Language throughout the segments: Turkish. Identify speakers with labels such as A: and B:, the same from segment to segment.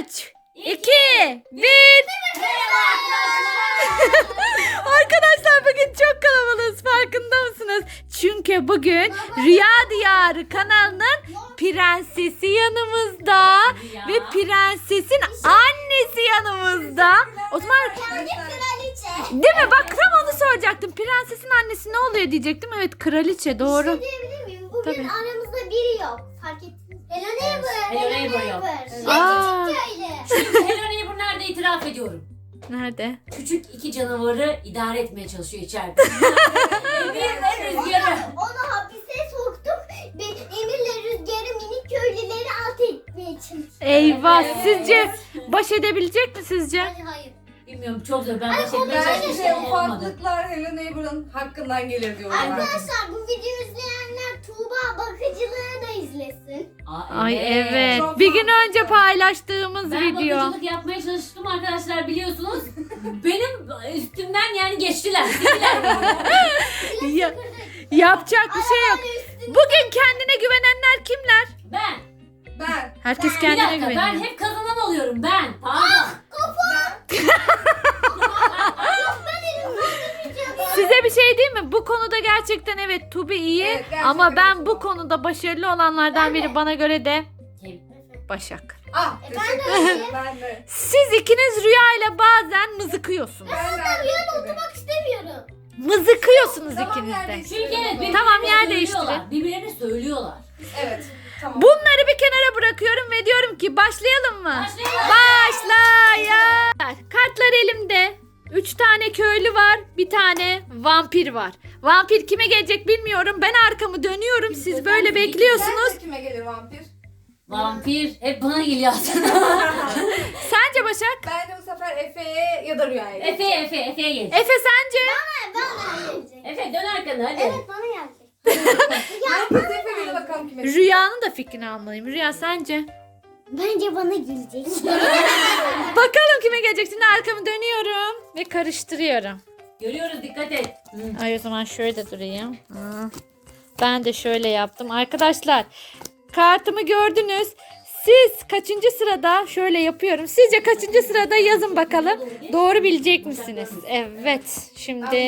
A: 3, 2, 1. Arkadaşlar bugün çok kalabalığız, farkında mısınız? Çünkü bugün Rüya Diyarı kanalının prensesi yanımızda ve prensesin annesi yanımızda. O zaman değil mi? Bak tam onu soracaktım. Prensesin annesi ne oluyor diyecektim. Evet, kraliçe, doğru.
B: Bir şey diyebilir miyim? Bugün
A: Tabii.
B: aramızda biri yok. Fark ettiniz. Hello Neighbor.
C: Hello Neighbor yok.
A: Aa.
C: Hello Neighbor nerede itiraf ediyorum.
A: Nerede?
C: Küçük iki canavarı idare etmeye çalışıyor içeride. Emirle Rüzgar'ı.
B: Onu hapise soktuk. Emir'le Rüzgar'ı minik köylüleri alt etmeye çalıştık.
A: Eyvah,
C: Evet.
A: sizce baş edebilecek mi sizce?
B: Hayır.
C: Bilmiyorum, çok zor. Ben de çekmeye
D: Bence
C: çalışmıştım, olmadı.
D: ufaklıklar Hello Neighbor'ın hakkından gelir diyorlar.
B: Arkadaşlar bu videoyu izleyenler Tuğba bakıcılığı da izlesin.
A: Ay evet.
D: Çok
A: Bir gün
D: farklı.
A: önce paylaştığımız
C: Ben
A: video.
C: bakıcılık yapmaya çalıştım arkadaşlar, biliyorsunuz. Benim üstümden yani geçtiler. Sildiler beni.
A: Ya- yapacak bir şey yok. Bugün kendine güvenenler kimler?
C: Ben.
A: Herkes
C: Bir
A: kendine
C: dakika, ben
A: güveniyor.
C: hep kazanan oluyorum ben. Pardon.
A: Size bir şey diyeyim mi? Bu konuda gerçekten evet Tubi iyi
D: Evet, gerçekten
A: ama ben
D: iyi
A: bu
D: Tuba.
A: konuda başarılı olanlardan biri bana göre de Başak.
D: Ah, teşekkür ederim. Ben de.
A: Siz ikiniz Rüya ile bazen mızıkıyorsunuz.
D: Ben de.
B: Rüyada oturmak istemiyorum.
A: Mızıkıyorsunuz
D: Tamam,
A: ikiniz
D: yer
A: de.
D: değiştirelim
C: Çünkü evet,
D: o zaman.
A: Tamam, yer
C: söylüyorlar.
A: değiştirin.
C: Birbirlerine söylüyorlar.
D: Evet. Tamam.
A: Bunları bir kenara bırakıyorum ve diyorum ki başlayalım mı?
C: Başlayalım.
A: Başlayalım. Kartlar elimde. 3 tane köylü var, bir tane vampir var. Vampir kime gelecek bilmiyorum. Ben arkamı dönüyorum. Siz böyle bekliyorsunuz.
D: Sence kime gelir vampir?
C: Vampir hep bana geliyor aslında.
A: Sence Başak?
D: Ben de bu sefer Efe'ye ya da Rüya'ya gelir.
C: Efe'ye gel.
A: Efe sence?
B: Bana gelecek.
C: Efe dön arkana hadi.
B: Evet bana gelecek.
D: Herkes Efe'ye bakalım kime.
A: Rüyanın da fikrini almalıyım. Rüya sence?
B: Bence bana gelecek.
A: Bakalım kime gelecek. Şimdi arkamı dönüyorum ve karıştırıyorum.
C: Görüyoruz, dikkat et. Hı.
A: Ay o zaman şöyle durayım. Ben de şöyle yaptım. Arkadaşlar kartımı gördünüz. Siz kaçıncı sırada şöyle yapıyorum. Sizce kaçıncı sırada yazın bakalım. Doğru bilecek misiniz? Evet. Şimdi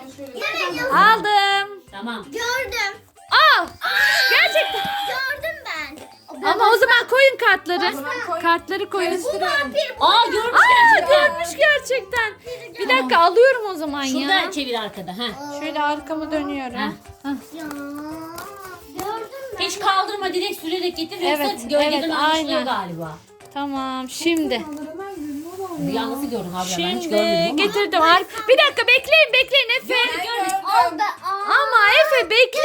A: aldım.
C: Tamam.
B: Gördüm.
A: Al. Gerçekten.
B: Gördüm ben.
A: Ama o zaman koyun kartları.
D: O zaman koy.
A: Kartları koyun.
C: Aa, görmüş
A: Aa,
C: gerçekten.
A: görmüş gerçekten. Bir dakika alıyorum o zaman
C: Şunu
A: ya.
C: da çevir arkada. Ha.
A: Şöyle arkamı dönüyorum.
C: Ha.
B: Ya. Gördüm ben.
C: Hiç kaldırma, direkt sürerek getir.
A: Evet,
C: Yoksa gölgeden
A: evet,
C: anlaşılıyor
A: aynen.
C: galiba.
A: Tamam şimdi.
C: Rüya nasıl gördün abi? Ben hiç
A: Şimdi
C: görmedim ama.
A: getirdim. Bir dakika bekleyin Efe.
B: Al da al.
A: Ama Efe bekle.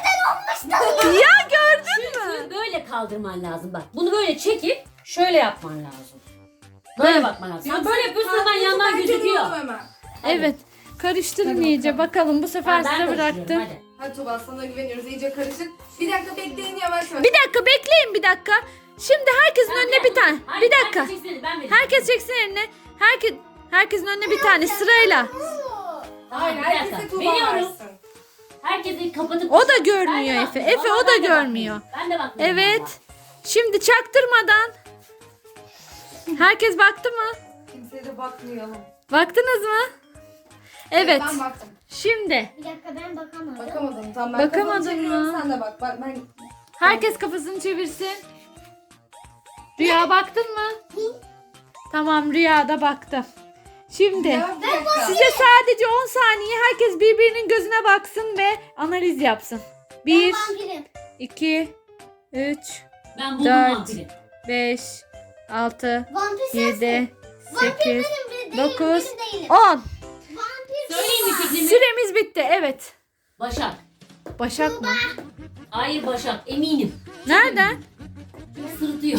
A: Ya gördün mü?
C: Şunu böyle kaldırman lazım bak. Bunu böyle çekip şöyle yapman lazım. Böyle bakman lazım. Sen böyle yapıyorsun, hemen yandan gözüküyor.
A: Evet. Karıştırın iyice bakalım. Bu sefer
C: Ha, ben
A: size
C: karıştırıyorum,
A: bıraktım.
C: hadi.
D: Hadi Tuba, sana güveniyoruz. İyice karışık. Bir dakika bekleyin, yavaş yavaş.
A: Bir dakika bekleyin bir dakika. Şimdi herkesin önüne bir tane.
C: Hayır,
A: Bir dakika.
C: herkes çeksin, ben vereceğim.
A: Herkes çeksin eline. Herkesin önüne bir tane sırayla.
D: Hayır,
C: Bir dakika.
D: herkese Tuba
C: Veriyorum.
D: versin.
C: Herkesi kapatıp...
A: O da
C: Ben
A: görmüyor
C: de
A: Efe.
C: bakmıyorum.
A: Efe o
C: Vallahi
A: da
C: ben de
A: görmüyor.
C: bakmıyorum. Ben de bakmıyorum.
A: Evet. Şimdi çaktırmadan. Herkes baktı mı?
D: Kimseye de bakmayalım.
A: Baktınız mı? Evet.
D: Ben baktım.
A: Şimdi
B: Bir dakika ben bakamadım.
D: Bakamadım. Tamam, ben
A: Bakamadın
D: kafamı çeviriyorum,
A: mı?
D: sen de bak. Bak ben...
A: herkes kafasını çevirsin. Rüya baktın mı? Tamam, Rüya da baktı. Şimdi
D: Ya, bir dakika.
A: size sadece 10 saniye herkes birbirinin gözüne baksın ve analiz yapsın. 1,
B: Vampirim.
A: 2, 3,
C: Ben buldum
A: 4,
C: vampiri.
A: 5, 6,
B: Vampir sensin.
A: 7, 8,
B: Değilim,
A: 9,
B: değilim.
A: 10.
B: Vampir.
C: Söyleyeyim mi fikrimi?
A: Süremiz bitti. Evet.
C: Başak.
A: Başak mı?
C: Hayır, Başak. Eminim.
A: Nereden?
C: Sırıtıyor.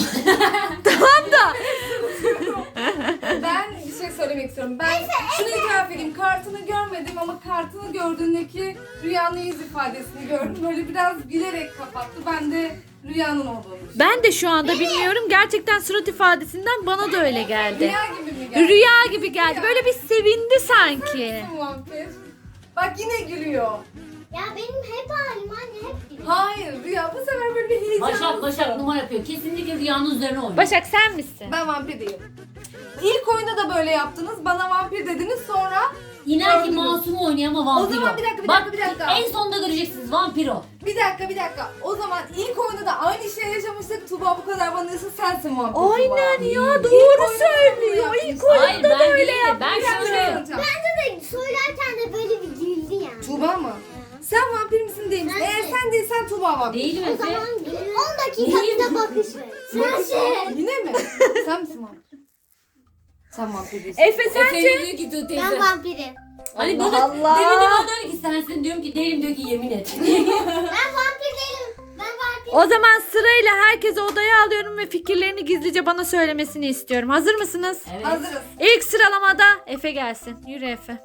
D: Ben bir şey söylemek istiyorum. Ben şunu itiraf edeyim. Kartını görmedim ama kartını gördüğündeki Rüya'nın yüz ifadesini gördüm. Böyle biraz gülerek kapattı. Ben de Rüya'nın olduğunu düşünüyorum.
A: Ben de şu anda bilmiyorum. Gerçekten surat ifadesinden bana da öyle geldi.
D: Rüya gibi mi geldi?
A: Rüya gibi geldi. Böyle bir sevindi sanki.
D: Vampir. Bak yine gülüyor.
B: Ya benim hep halim anne hep.
D: Hayır Rüya bu sefer böyle bir heyecan.
C: Başak numara yapıyor. Kesinlikle Rüya'nın üzerine oynuyor.
A: Başak sen misin?
D: Ben vampir değilim. İlk oyunda da böyle yaptınız. Bana vampir dediniz sonra.
C: İnan ki
D: Gördünüz.
C: Masum oynuyor ama vampiro.
D: O zaman bir dakika, bir
C: Bak,
D: dakika, bir dakika.
C: en sonunda göreceksiniz vampiro.
D: Bir dakika. O zaman ilk oyunda da aynı şey yaşamıştık. Tuba bu kadar bana diyorsa sensin vampir
A: Aynen
D: Tuba.
A: ya,
D: İlk
A: doğru
D: oyunda
A: söylüyor.
D: bunu
A: İlk
D: yapmışsın.
C: Hayır ben değilim. Ben
D: Bir dakika,
C: şöyle.
D: söyleyeceğim.
B: Bence de söylerken de böyle bir güldü yani.
D: Tuba mı? Sen vampir misin değil misin? Eğer sen değilsen Tuba vampir.
C: Değilim
B: O
C: Efe.
B: zaman 10 dakika bize bakış ver. Sensin.
D: Yine mi? Sen misin vampir? Sen vampir değilsin.
A: Efe
C: Efe
A: sence?
C: diyor ki dur teyze.
B: Ben vampirim.
C: Hani
A: Allah
C: bana
A: Allah.
C: demin de bana diyor ki sensin, diyorum ki değilim, diyor ki yemin et.
B: Ben vampir değilim. Ben vampir.
A: O zaman sırayla herkesi odaya alıyorum ve fikirlerini gizlice bana söylemesini istiyorum. Hazır mısınız?
C: Evet.
D: Hazırız.
A: İlk sıralamada Efe gelsin. Yürü Efe.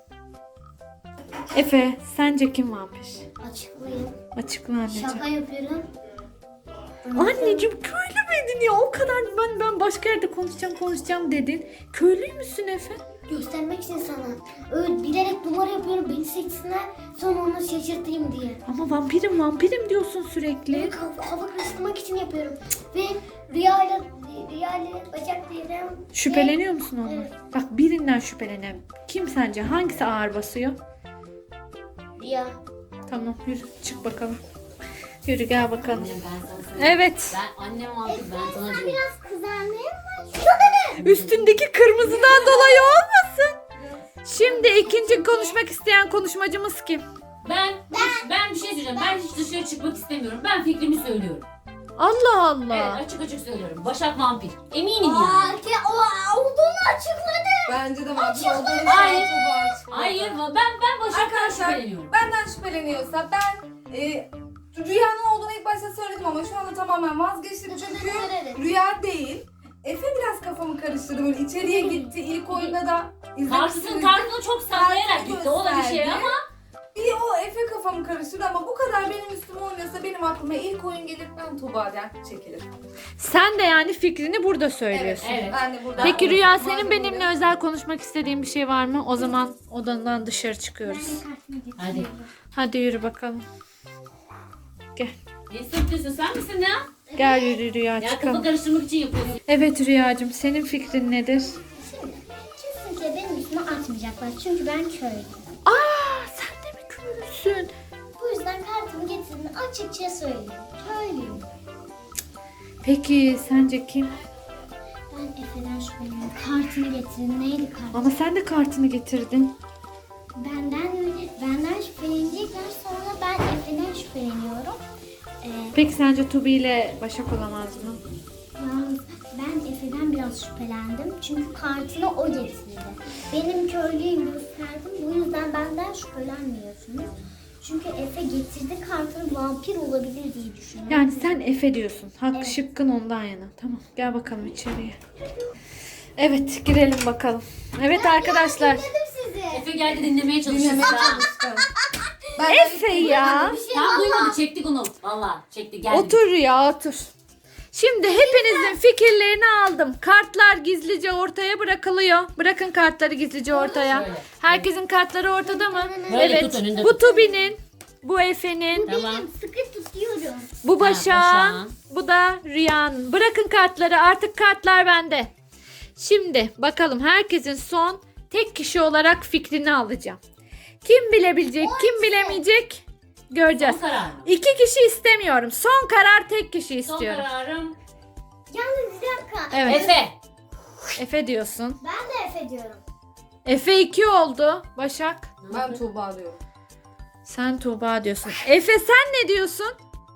A: Efe, sence kim vampir?
B: Açıklayayım.
A: Açıkla anneciğim.
B: Şaka yapıyorum.
A: Anneciğim köylü müydün ya? O kadar ben başka yerde konuşacağım dedin. Köylü müsün Efe?
B: Göstermek için sana. Öyle bilerek numara yapıyorum beni seçsinler. Sonra onu şaşırtayım diye.
A: Ama vampirim diyorsun sürekli.
B: Hava karıştırmak için yapıyorum. Ve Rüya'yla Başak diyeceğim.
A: Şüpheleniyor musun ondan?
B: Evet.
A: Bak birinden şüphelenen. Kim sence? Hangisi ağır basıyor?
B: Rüya.
A: Tamam yürü çık bakalım. Yürü gel bakalım.
C: Annem, ben sana söyleyeyim.
A: Evet.
C: Ben annem vampir, ben sana
B: Sen
C: diyorum.
B: biraz kızarmaya mı?
A: Üstündeki kırmızıdan dolayı olmasın. Şimdi ikinci konuşmak isteyen konuşmacımız kim?
C: Ben bir şey söyleyeceğim. Ben hiç dışarı çıkmak istemiyorum. Ben fikrimi söylüyorum.
A: Allah Allah.
C: Evet, açık söylüyorum. Başak vampir. Eminim yani.
B: Olduğunu açıkladı.
D: Bence de vampir olduğunu
C: Hayır.
D: Tuba açıkladı.
C: Hayır, ben Başak'tan
D: Arkadaşlar
C: şüpheleniyorum.
D: benden şüpheleniyorsa ben Rüya'nın olduğunu ilk başta söyledim ama şu anda tamamen vazgeçtim çünkü Rüya değil. Efe biraz kafamı karıştırdı böyle içeriye gitti ilk oyunda da
C: Kartını çok sallayarak gitti. O da bir şey
D: gösterdi.
C: ama
D: Bir o Efe kafamı karıştırdı ama bu kadar benim üstüme oynuyorsa benim aklıma ilk oyun gelir ben Tuğba'dan çekilirim.
A: Sen de yani fikrini burada söylüyorsun.
C: evet.
D: Ben de burada.
A: Peki Rüya
D: Madem
A: senin
D: öyle.
A: benimle özel konuşmak istediğin bir şey var mı? O zaman odandan dışarı çıkıyoruz.
C: Hadi.
A: Hadi yürü bakalım. Gel.
C: Ne sürprizi, sen misin ya?
A: Gel yürü Rüya
C: Ya kafa
A: çıkalım.
C: karıştırmak için yapıyorsun.
A: Evet Rüyacığım senin fikrin nedir?
B: Şimdi kesinlikle benim üstüme atmayacaklar çünkü ben köylüyüm.
A: Aa sen de mi köylüsün?
B: Bu yüzden kartımı getirdim açıkça söyleyeyim. Köylüyüm.
A: Peki sence kim?
B: Ben Efe'den şüpheleniyorum. Kartını getirin. Neydi kart?
A: Ama sen de kartını getirdin.
B: Benden şüphelenecekler. Sonra ben Efe'den şüpheleniyorum.
A: Peki sence Tubi ile Başak olamaz mı?
B: Yalnız ben Efe'den biraz şüphelendim. Çünkü kartını o getirdi. Benim köylüyüm gösterdim. Bu yüzden benden şüphelenmiyorsunuz. Çünkü Efe getirdi kartını vampir olabilir diye düşünüyorum.
A: Yani sen Efe diyorsun. Hakkı
B: Evet.
A: şıkkın ondan yana. Tamam gel bakalım içeriye. Evet girelim bakalım. Evet arkadaşlar.
B: Dedim size.
C: Efe geldi dinlemeye çalışıyor.
D: Dinlemeye
C: Tamam.
D: çalıştım. Ben
A: Efe ya.
C: Tam duymadı, çektik onu. Valla çekti, geldi.
A: Otur Rüya otur. Şimdi hepinizin fikirlerini aldım. Kartlar gizlice ortaya bırakılıyor. Bırakın kartları gizlice ortaya.
C: Şöyle.
A: Herkesin kartları ortada mı?
C: Böyle
A: Evet.
C: tut, önünde
A: Bu
C: tut.
A: Tubi'nin, bu Efe'nin,
C: Tamam.
B: Benim sıkı tutuyorum.
A: bu Başak'ın,
C: Başak'ın.
A: bu da Rüya'nın. Bırakın kartları, artık kartlar bende. Şimdi bakalım herkesin son tek kişi olarak fikrini alacağım. Kim bilebilecek, kim bilemeyecek göreceğiz.
C: Son karar mı?
A: 2 kişi istemiyorum. Son karar tek kişi
C: Son
A: istiyorum.
C: kararım
B: Yalnız bir dakika.
A: Evet.
C: Efe.
A: Efe diyorsun.
B: Ben de Efe diyorum.
A: Efe 2 oldu. Başak.
D: Ben Tuğba diyorum.
A: Sen Tuğba diyorsun. Efe sen ne diyorsun?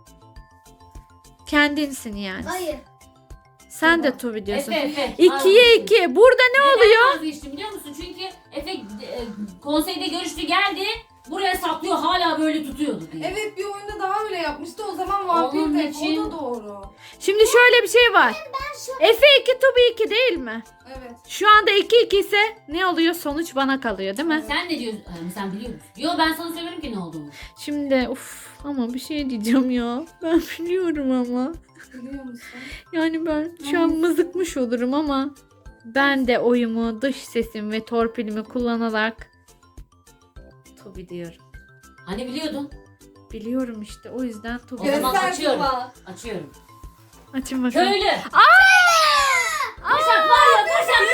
A: Kendinsin yani.
B: Hayır.
A: Sen de Tuğba diyorsun.
C: Efe.
A: 2'ye 2. Burada ne oluyor?
C: Neden vazgeçtim biliyor musun? Çünkü Efe konseyde görüştü, geldi. Buraya saklıyor, hala böyle tutuyordu diye.
D: Evet bir oyunda daha öyle yapmıştı o zaman vampir
C: Onun
D: de
C: için-
D: o da doğru.
A: Şimdi şöyle bir şey var.
B: Ben şu
A: Efe 2 Tuğba 2 değil mi?
D: Evet.
A: Şu anda 2-2 ise ne oluyor? Sonuç bana kalıyor değil mi?
C: Sen ne diyorsun? Sen biliyor musun? Yo, ben sana söylerim ki ne olduğunu.
A: Şimdi ama bir şey diyeceğim ya. Ben biliyorum ama.
D: Biliyor musun?
A: Yani ben şu an mızıkmış olurum ama ben de oyumu, dış sesim ve torpilimi kullanarak Tubi diyorum.
C: Hani biliyordun?
A: Biliyorum işte o yüzden
C: O
A: Tubi.
C: zaman
D: Göster
C: açıyorum.
D: Tuba.
C: Açıyorum.
A: Açın bakalım.
C: Köylü.
A: Aa!
C: Başak var ya Başak.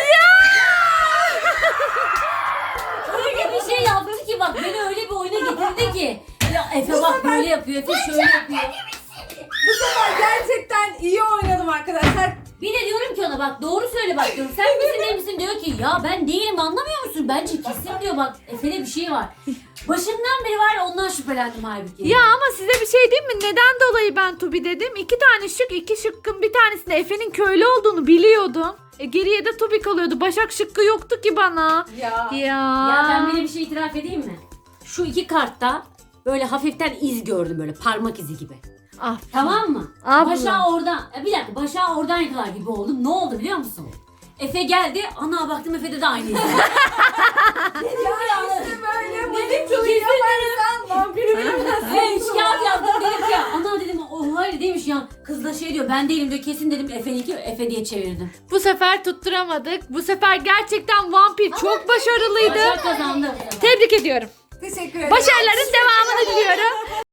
C: Öyle bir şey yaptı ki bak beni öyle bir oyuna getirdi ki. Ya Efe bak böyle yapıyor, Efe şöyle yapıyor.
D: Bu sefer gerçekten iyi oynadım arkadaşlar.
C: Bir de diyorum ki ona bak doğru söyle bak diyorum. Sen misin değil misin diyor ki ya ben değilim anlamıyor musun? Bence kesin diyor bak Efe'de bir şey var. Başından beri var ya ondan şüphelendim halbuki.
A: Ya ama size bir şey diyeyim mi? Neden dolayı ben Tubi dedim? 2 tane şık, 2 şıkkın bir tanesinde Efe'nin köylü olduğunu biliyordum. Geriye de Tubi kalıyordu. Başak şıkkı yoktu ki bana.
D: Ya.
C: Ya ben bir şey itiraf edeyim mi? Şu iki kartta böyle hafiften iz gördüm böyle parmak izi gibi.
A: Ah.
C: Tamam mı?
A: Abla.
C: Başak'ı oradan, bir dakika Başak'ı oradan yakalar gibi oldum. Ne oldu biliyor musun? Efe geldi, ana baktım Efe'de de aynı iz.
D: Ya işte böyle manipüle yaparsan vampiri bilemezsin.
C: Hey üç kağıt yazdım dedim ki ana dedim o hayır değilmiş ya. Kız da şey diyor ben değilim diyor kesin dedim Efe'ninki Efe diye çevirdim.
A: Bu sefer tutturamadık. Bu sefer gerçekten vampir çok başarılıydı.
C: Başak kazandı.
A: Tebrik ediyorum.
D: Teşekkür ederim.
A: Başarıların devamını diliyorum.